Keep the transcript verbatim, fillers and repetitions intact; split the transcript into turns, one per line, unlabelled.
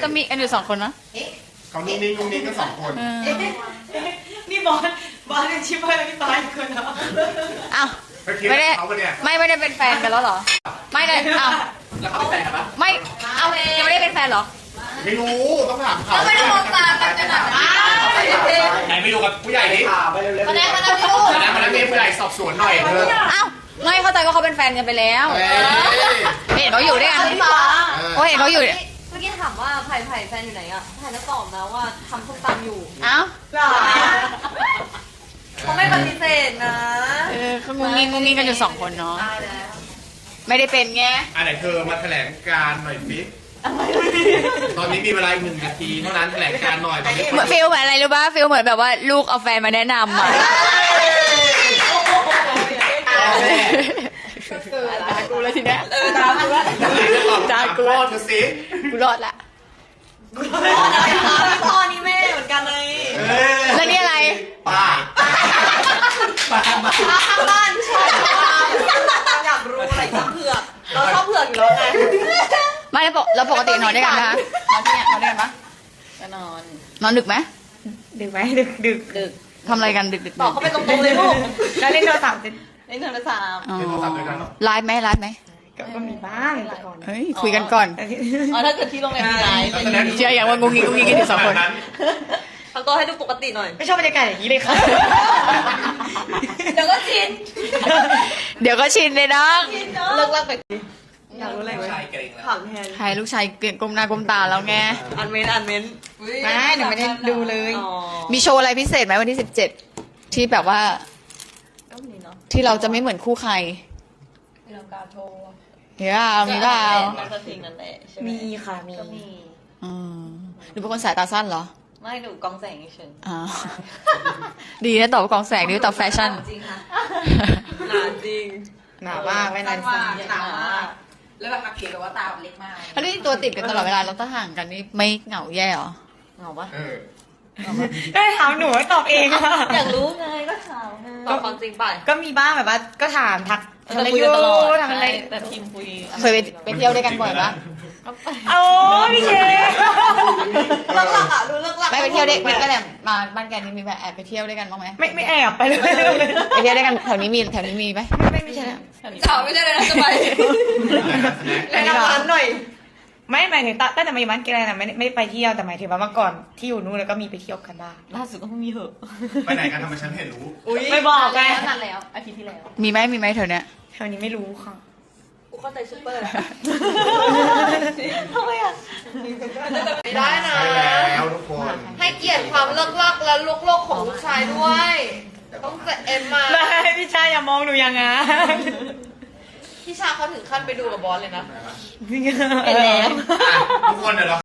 จะมีกันอยู่สองคนนะ
เขานิ่งนิ่งนิ่งก็สองคน
นี่บอสบอสยังชิปให้แล้วพี่ตายคนเนาะ
อ้าวไม่ได้ไม่ไม่ได้เป็นแฟนกันแล้วเหรอไม่เลยอ้าว
แล้วเขาเป็นแฟนกันปะ
ไม่เอายังไม่ได้เป็นแฟนเหรอ
ไม่รู้ต้องถามเขา
ไม่ได้มองตากันจะหนัก
ไหนไปดูกับผู้ใหญ่ดิ
มาแน่มาแน่ดู
ไหนมาแล้วมีผู้ใหญ่สอบสวนหน่อยเถอะ
อ้าวไม่เข้าใจว่าเขาเป็นแฟนกันไปแล้วเห็นเขาอยู่ด้วยกันโอ้เห็นเขาอยู่
เมื่อกี้ถามว่าไผ่ไผ่แฟนอยู่ไหนอ่ะไผ่แล้วตอบนะว่าทำส้มตำอยู่
อ้าว
เขาไม่ปฏิเสธนะ
เออเขางุ้งงิ้งงุ้งงิ้งกันอยู่สองคนเนาะไม่ได้เป็นไง
อันไหนเธอมาแถลงการหน่อยสิตอนนี้มีเวลาหนึ่งนาทีเท่านั้นแถลงการหน่อยตอนนี้
เหมือนฟิลเหมือนอะไรรู้ป่ะฟิลเหมือนแบบว่าลูกเอาแฟนมาแนะนำอ่ะตากูแล้วทีเนี้ยตากูแล้ว
จ้ากูรอดเธอสิ
กูรอดละ
พ่อนี่แม่เหมือนกันเลย
แล้วนี่อะไร
ป้าป้าป้า
ข้างบ้านชอบอยากรู้อะไรชอบเผือกเราชอบเผือกอยู่แล้วไง
ไม่แล้วปกแล้วปกตินอนด้วยกันนะคะนอนที่เนี่ยนอนด้วยกันปะ
ก็นอน
นอนดึกไหม
ดึกไหมดึกดึก
ดึก
ทำอะไรกันดึกดึก
บอกเขาไปตรงๆเลยลูก
แล้วเล่นโทรศัพท์จะ
เล่นโทรศัพท์
อ๋อ
เล่นโทรศัพท์ด้วยกันเหรอ
ไลฟ์ไหมไลฟ์ไหม
ก็ก็มีบ้างแต่ก่อน
เฮ้ยคุยกันก่อน
อ๋อถ้าเกิดที่โรงเรียนมีไลฟ์
เชื่ออย่างว่างงงิ้งงงงิ้งกันอยู่สองคน
ทำตัวให้ดูปกติหน่อย
ไม่ชอบบรรยากาศอย่างนี้เลยค่ะ
เดี๋ยวก็ชิน
เดี๋ยวก็ชินเลยน้อง
เลิกเลิกไป
อยากรู้อะไรไหม
ชายเกรงแล้ว
ถามแทน
ใครลูกชายเกลียดก้มหน้าก้มตาแล้วไง
อันเมนอันเมน
ไม่หนูไม่ได้ดูเลย
อ๋อ
มีโชว์อะไรพิเศษไหมวันที่สิบเจ็ดที่แบบว่า
ก็มีเนาะ
ที่เราจะไม่เหมือนคู่ใคร
มีลังกาโทร
เดี๋ยวเอามีเปล่า
นั่นก็ทิ้งนั่นแหละใช่ไหม
มีค่ะมี
ก็มี
อืมหรือเป็นคนสายตาสั้นเหรอ
ไม่ดูกองแสงเฉย
อ๋อ ดีนะตอบว่ากองแสงดีตอบแฟชั่น
จริงค่ะหนาจริง
หนามากไม่นานสั้น
หนามาก
แล้วแบบมาเขียนแบบว่าตาเล็กมาก
แล้วนี่ตัวติดกันตลอดเวลาเราต้องห่างกันนี่ไม่เหงาแย่เหรอ
เหงาปะ
เออ
ก็ถามหนูให้ตอบเองค่ะ
อยากรู้ไงก็ถามไงตอบความจริงไป
ก็มีบ้างแบบว่าก็ถามทัก
เรา
ทำอะไร
จะคุย
อ
กัน
ยู่
ตลอด
ทำอะไร
แต่ทีมคุย
เคยไปไปเที่ยวด้วยกันบ่อยปะ
โอ้พี่เค
เลิกหลักอ่ะดูเลิกหลัก
ไม่ไปเที่ยวด้วยไม่ก็แบบมาบ้านแกนี่มีแบบแอบไปเที่ยวด้วยกันบ้างไหม
ไม่ไม่แอบไปเลย
ไปเที่ยวด้วยกันแถวนี้มีแถวนี้มีไหม
ไม่ไม่ใช่แล้ว
สาวไม่ใช่เลยนะจะไป
อั
แนะ
นนี้เหรอ
นำร้านหน่อย
ไม่หมายถึงตั้งแต่มาอยู่บ้านแกนะไม่ไม่ไปเที่ยวแต่หมายถึงว่าเมื่อก่อนที่อยู่นู้นแล้วก็มีไปเที่ยวกันบ้าง
ล่าสุดก็เพิ่งมีเหอะ
ไปไหนกันทำไมฉันเห็นรู้
ไม่บอกไง
นานแล้วอาทิตย์ที่แล้ว
มีไหมมีไหมแถวเนี้ย
แถวนี้ไม่รู้ค่ะ
กูเข้าใจซูเปอร์ทำไมอ่ะไม่ได้นะ
ใช่แล้วทุกคน
ให้เกียรติความเลิกลักและลุกโลกของลูกชายด้วย ต้องเสร็จเอ็มมา
ไม่พี่ชายอย่ามองหนูอย่างงั้น
พี่ชาเขาถึงขั้นไปดูกับบอสเลยนะ
เห็นแล้ว
ทุกคนเดี๋ยวเรา